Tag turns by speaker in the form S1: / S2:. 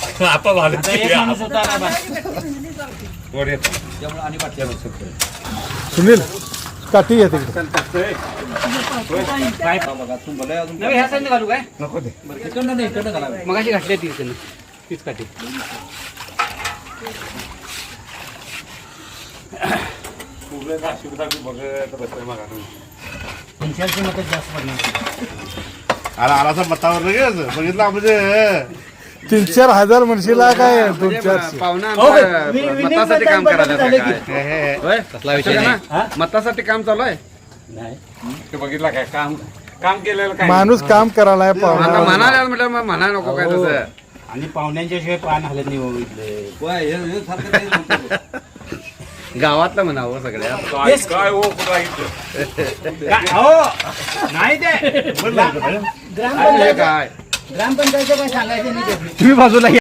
S1: आता झालं
S2: आता एक माणूस होता ना बा.
S1: वर येतो.
S2: त्यामुळे आणि पाठच्या
S3: सुनील काठी घ्या तिकडे
S2: काय बघा तुम्हाला अजून नाही ह्या साईडने घालू काय
S1: नको ते
S2: बरं तिकडनं नाही इकडनं घाला मगाशी घातली ती इकडनं तीच काठी
S1: फुगले का शिवदाबी बघत बसले मग
S2: तुमच्याची मत जास्त पडणार
S1: आला आलाचा मतावर लगेच बघितला म्हणजे
S3: 3-4 हजार म्हणशीला काय 2-4
S4: पाहुणा
S2: हो,
S4: मतासाठी काम करायला
S2: झालं की.
S4: होय
S2: कसला विषय नाही हा?
S4: मतासाठी काम चालू आहे
S2: नाही
S1: ते बघितला काय काम काम केलेलं काय
S3: माणूस काम करायला
S4: आता
S3: पाहुणा
S4: म्हणायला म्हटलं मग म्हणा नको काय तसं
S2: आणि पाहुण्यांच्या शिवाय पान हलत नाही बाबा इथले
S4: गावातलं म्हणावं सगळ्या
S1: काय काय हो कुठं
S2: नाही ते
S4: काय
S2: ग्रामपंचायतचं काय सांगायचं नाही
S4: तुम्ही बाजूला